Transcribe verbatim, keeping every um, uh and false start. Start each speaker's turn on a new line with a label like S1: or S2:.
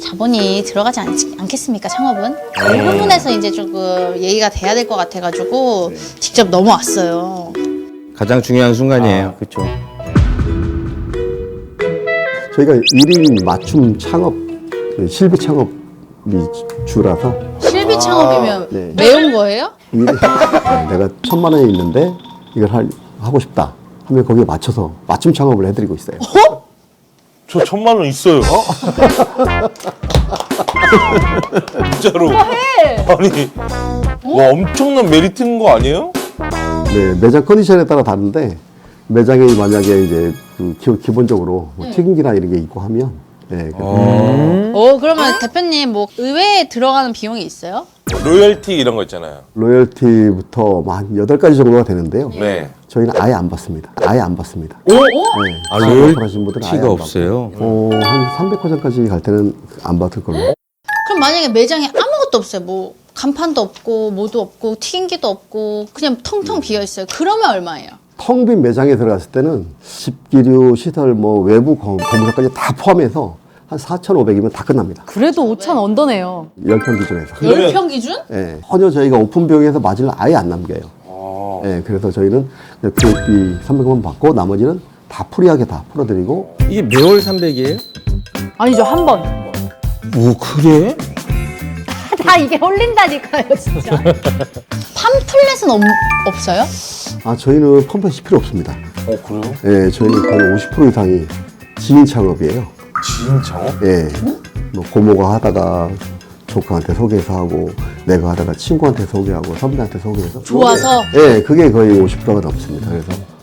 S1: 자본이 들어가지 않, 않겠습니까, 창업은? 그 부분에서 이제 조금 얘기가 돼야 될 것 같아가지고 직접 넘어왔어요.
S2: 가장 중요한 순간이에요.
S3: 아, 그렇죠.
S4: 저희가 일 인 맞춤 창업, 실비 창업이 주라서
S1: 실비 창업이면
S4: 네.
S1: 매운 거예요?
S4: 일 인 내가 천만 원이 있는데 이걸 할, 하고 싶다 하면 거기에 맞춰서 맞춤 창업을 해드리고 있어요.
S3: 저 천만 원 있어요. 진짜로. 아니, 와 엄청난 메리트인 거 아니에요?
S4: 네, 매장 컨디션에 따라 다른데 매장에 만약에 이제 그 기, 기본적으로 뭐 튀김기나 이런 게 있고 하면 네, 그-
S1: 어, 그러면 대표님 뭐 의외에 들어가는 비용이 있어요?
S3: 로열티 이런 거 있잖아요.
S4: 로열티부터 뭐 한 여덟 가지 정도가 되는데요.
S3: 네.
S4: 저희는 아예 안 받습니다. 아예 안 받습니다.
S3: 오?
S4: 네,
S2: 아,
S4: 하신 분들은 아예
S2: 로열티가
S4: 안
S2: 없어요.
S4: 받고. 어, 한 삼백 호점까지 갈 때는 안 받을 걸로.
S1: 그럼 만약에 매장에 아무것도 없어요. 뭐 간판도 없고 뭐도 없고 튀김기도 없고 그냥 텅텅 비어 있어요. 그러면 얼마예요?
S4: 텅 빈 매장에 들어갔을 때는 집기류, 시설, 뭐 외부 거- 공사까지 다 포함해서 한 사천오백이면 다 끝납니다.
S5: 그래도 오천 언더네요.
S4: 열 평 기준에서.
S3: 그러면-
S1: 열 평 기준?
S4: 예, 전혀 저희가 오픈 비용에서 마진을 아예 안 남겨요.
S3: 아.
S4: 예, 그래서 저희는 기획비 삼백만 받고 나머지는 다 프리하게 다 풀어드리고
S2: 이게 매월 삼백이에요?
S5: 아니죠, 한 번.
S2: 오, 그래?
S5: 다 이게 홀린다니까요, 진짜.
S1: 팜플렛은 없, 없어요?
S4: 아 저희는 펌프시 필요 없습니다.
S3: 어 그래요?
S4: 예, 저희는 거의 오십 퍼센트 이상이 지인 창업이에요.
S3: 지인 창업?
S4: 예, 뭐 고모가 하다가 조카한테 소개해서 하고 내가 하다가 친구한테 소개하고 선배한테 소개해서
S1: 좋아서?
S4: 예, 그게 거의 오십 퍼센트가 넘습니다. 그래서